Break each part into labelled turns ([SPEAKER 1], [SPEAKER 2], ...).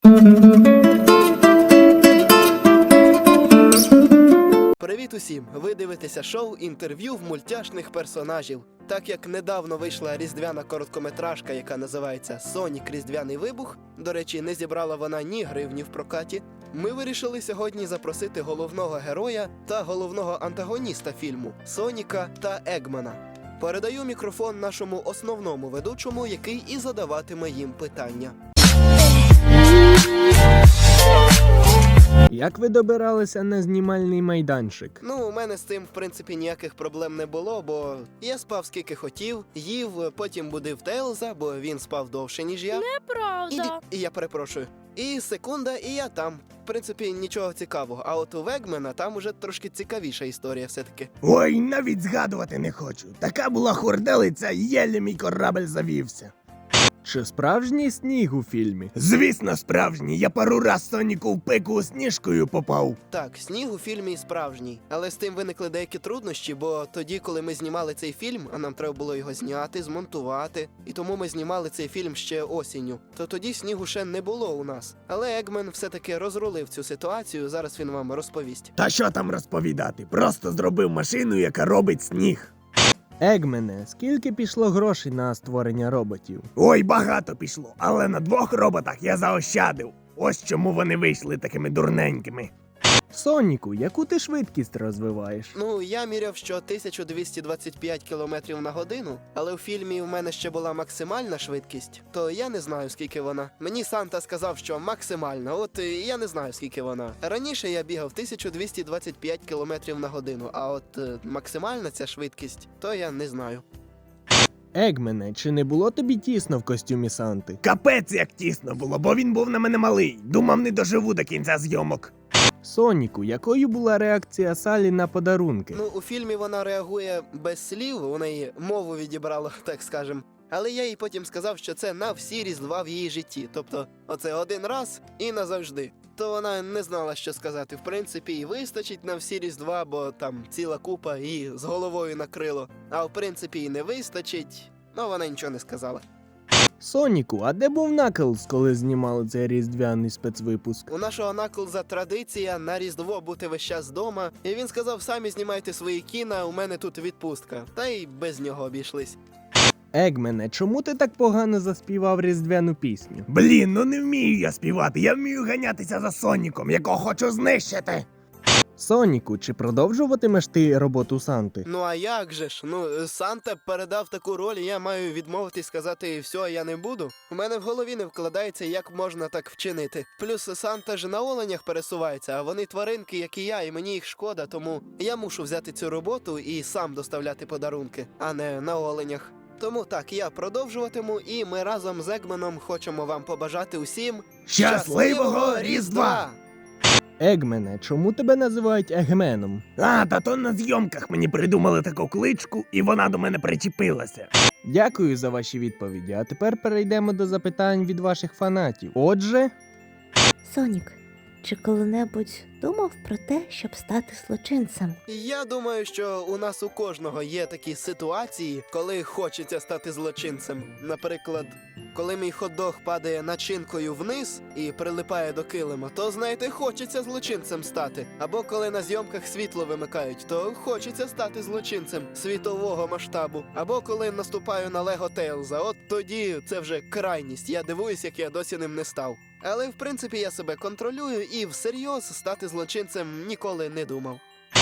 [SPEAKER 1] Привіт усім! Ви дивитеся шоу «Інтерв'ю в мультяшних персонажів». Так як недавно вийшла різдвяна короткометражка, яка називається «Сонік. Різдвяний вибух», до речі, не зібрала вона ні гривні в прокаті, ми вирішили сьогодні запросити головного героя та головного антагоніста фільму – Соніка та Егмана. Передаю мікрофон нашому основному ведучому, який і задаватиме їм питання.
[SPEAKER 2] Як ви добиралися на знімальний майданчик?
[SPEAKER 1] У мене з цим, в принципі, ніяких проблем не було, бо я спав скільки хотів, їв, потім будив Тейлза, бо він спав довше, ніж я.
[SPEAKER 3] Неправда.
[SPEAKER 1] І я перепрошую. І секунда, і я там. В принципі, нічого цікавого. А от у Вегмена там уже трошки цікавіша історія все-таки.
[SPEAKER 4] Ой, навіть згадувати не хочу. Така була хурделиця, єлі мій корабель завівся.
[SPEAKER 2] Чи справжній сніг у фільмі?
[SPEAKER 4] Звісно, справжній. Я пару раз Соніку в пику сніжкою попав.
[SPEAKER 1] Так, сніг у фільмі справжній. Але з тим виникли деякі труднощі, бо тоді, коли ми знімали цей фільм, а нам треба було його зняти, змонтувати, і тому ми знімали цей фільм ще осінню, то тоді снігу ще не було у нас. Але Егмен все-таки розрулив цю ситуацію, зараз він вам розповість.
[SPEAKER 4] Та що там розповідати? Просто зробив машину, яка робить сніг.
[SPEAKER 2] Егмене, скільки пішло грошей на створення роботів?
[SPEAKER 4] Ой, багато пішло, але на 2 роботах я заощадив. Ось чому вони вийшли такими дурненькими.
[SPEAKER 2] Соніку, яку ти швидкість розвиваєш?
[SPEAKER 1] Я міряв, що 1225 км на годину, але у фільмі в мене ще була максимальна швидкість, то я не знаю, скільки вона. Мені Санта сказав, що максимальна, от я не знаю, скільки вона. Раніше я бігав 1225 км на годину, а от максимальна ця швидкість, то я не знаю.
[SPEAKER 2] Егмене, чи не було тобі тісно в костюмі Санти?
[SPEAKER 4] Капець як тісно було, бо він був на мене малий. Думав, не доживу до кінця зйомок.
[SPEAKER 2] Соніку, якою була реакція Салі на подарунки?
[SPEAKER 1] У фільмі вона реагує без слів, вона її мову відібрала, так скажем. Але я їй потім сказав, що це на всі різдва в її житті. Тобто, оце один раз і назавжди. То вона не знала, що сказати. В принципі, і вистачить на всі різдва, бо там ціла купа і з головою накрило. А в принципі, і не вистачить. Вона нічого не сказала.
[SPEAKER 2] Соніку, а де був Наклз, коли знімали цей різдвяний спецвипуск?
[SPEAKER 1] У нашого Наклза традиція на Різдво бути весь час вдома. І він сказав, самі знімайте свої кіна, у мене тут відпустка. Та й без нього обійшлись.
[SPEAKER 2] Егмене, чому ти так погано заспівав різдвяну пісню?
[SPEAKER 4] Блін, не вмію я співати, я вмію ганятися за Соніком, якого хочу знищити.
[SPEAKER 2] Соніку, чи продовжуватимеш ти роботу Санти?
[SPEAKER 1] А як же ж? Санта передав таку роль, і я маю відмовитись сказати «все, я не буду». У мене в голові не вкладається, як можна так вчинити. Плюс Санта ж на оленях пересувається, а вони тваринки, як і я, і мені їх шкода, тому я мушу взяти цю роботу і сам доставляти подарунки, а не на оленях. Тому так, я продовжуватиму, і ми разом з Егменом хочемо вам побажати усім
[SPEAKER 4] Щасливого Різдва!
[SPEAKER 2] Егмене, чому тебе називають Егменом?
[SPEAKER 4] Та то на зйомках мені придумали таку кличку, і вона до мене причепилася.
[SPEAKER 2] Дякую за ваші відповіді, а тепер перейдемо до запитань від ваших фанатів. Отже...
[SPEAKER 3] Сонік, чи коли-небудь думав про те, щоб стати злочинцем?
[SPEAKER 1] Я думаю, що у нас у кожного є такі ситуації, коли хочеться стати злочинцем. Наприклад, коли мій хот-дог падає начинкою вниз і прилипає до килима, то, знаєте, хочеться злочинцем стати. Або коли на зйомках світло вимикають, то хочеться стати злочинцем світового масштабу. Або коли наступаю на Лего Тейлза, от тоді це вже крайність. Я дивуюсь, як я досі ним не став. Але, в принципі, я себе контролюю і всерйоз стати злочинцем ніколи не думав.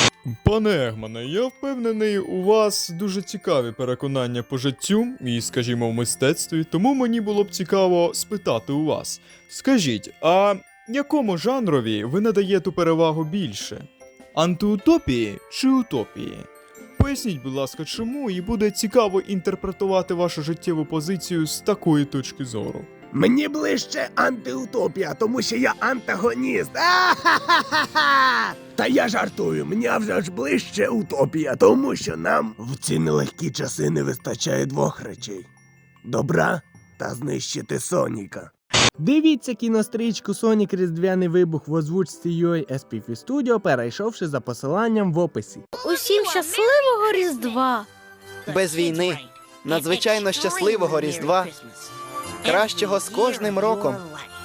[SPEAKER 5] Пане Егмане, я впевнений, у вас дуже цікаві переконання по життю і, скажімо, в мистецтві, тому мені було б цікаво спитати у вас. Скажіть, а якому жанрові ви надаєте перевагу більше? Антиутопії чи утопії? Поясніть, будь ласка, чому, і буде цікаво інтерпретувати вашу життєву позицію з такої точки зору.
[SPEAKER 4] Мені ближче антиутопія, тому що я антагоніст. А-ха-ха-ха-ха! Та я жартую, мені вже ж ближче утопія, тому що нам в ці нелегкі часи не вистачає 2 речей. Добра та знищити Соніка.
[SPEAKER 2] Дивіться кінострічку «Сонік. Різдвяний вибух» в озвучці UA SPF Studio, перейшовши за посиланням в описі.
[SPEAKER 3] Усім щасливого Різдва!
[SPEAKER 1] Без війни, надзвичайно щасливого Різдва, кращого з кожним роком.